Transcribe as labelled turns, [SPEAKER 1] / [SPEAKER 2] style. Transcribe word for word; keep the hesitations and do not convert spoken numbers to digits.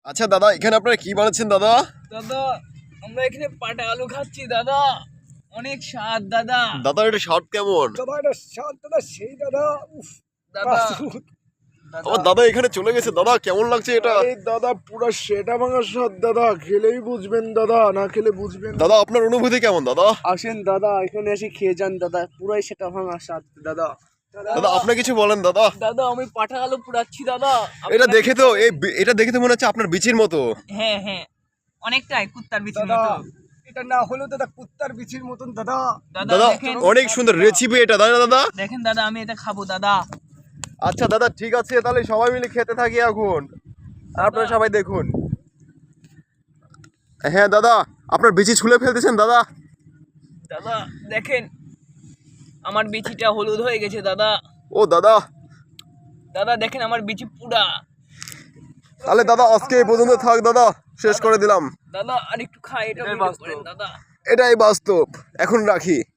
[SPEAKER 1] আচ্ছা দাদা, এখানে আপনারা কি বানাচ্ছেন দাদা?
[SPEAKER 2] দাদা আমরা এখানে পাটা আলু খাচ্ছি দাদা, অনেক স্বাদ দাদা।
[SPEAKER 1] দাদা এটা স্বাদ কেমন?
[SPEAKER 3] দাদা এটা স্বাদ দাদা সেই দাদা। উফ
[SPEAKER 2] দাদা
[SPEAKER 1] আমার দাদা এখানে চলে গেছে দাদা, কেমন লাগছে এটা?
[SPEAKER 3] এই দাদা পুরো সেটা ভাঙা স্বাদ দাদা, খেলেই বুঝবেন দাদা, না খেলে বুঝবেন না।
[SPEAKER 1] দাদা আপনার অনুভূতি কেমন দাদা?
[SPEAKER 3] আসেন দাদা এখানে এসে খেয়ে যান দাদা, পুরাই সেটা ভাঙা স্বাদ দাদা।
[SPEAKER 1] দাদা আপনি কিছু বলেন দাদা।
[SPEAKER 2] দাদা আমি পাটা আলু পুড়াচ্ছি দাদা।
[SPEAKER 1] এটা
[SPEAKER 2] আপনারা-
[SPEAKER 1] দেখে তো এই বি- এটা দেখে তো মনে হচ্ছে আপনার বিচির মতো।
[SPEAKER 2] হ্যাঁ হ্যাঁ অনেকটাই কুত্তার বিচির
[SPEAKER 3] দাদা
[SPEAKER 2] মতো।
[SPEAKER 3] এটা না হলেও দাদা কুত্তার বিচির মতন দাদা।
[SPEAKER 1] দাদা
[SPEAKER 2] দেখেন
[SPEAKER 1] অনেক সুন্দর রেসিপি এটা, তাই না দাদা?
[SPEAKER 2] দেখেন দাদা আমি এটা খাবো দাদা।
[SPEAKER 1] আচ্ছা দাদা ঠিক আছে, তাহলে সবাই মিলে খেতে থাকি এখন। আপনারা সবাই দেখুন। হ্যাঁ দাদা, আপনার বিচি ছুলে ফেলতেছেন দাদা।
[SPEAKER 2] দাদা দেখেন আমার বিচিটা হলুদ হয়ে গেছে দাদা।
[SPEAKER 1] ও দাদা,
[SPEAKER 2] দাদা দেখেন আমার বিচি পুরা।
[SPEAKER 1] তাহলে দাদা আজকে এই পর্যন্ত থাক দাদা, শেষ করে দিলাম।
[SPEAKER 2] দাদা আর একটু খাই, এটা ভিডিও করেন দাদা।
[SPEAKER 1] এটাই বাস্তব, এখন রাখি।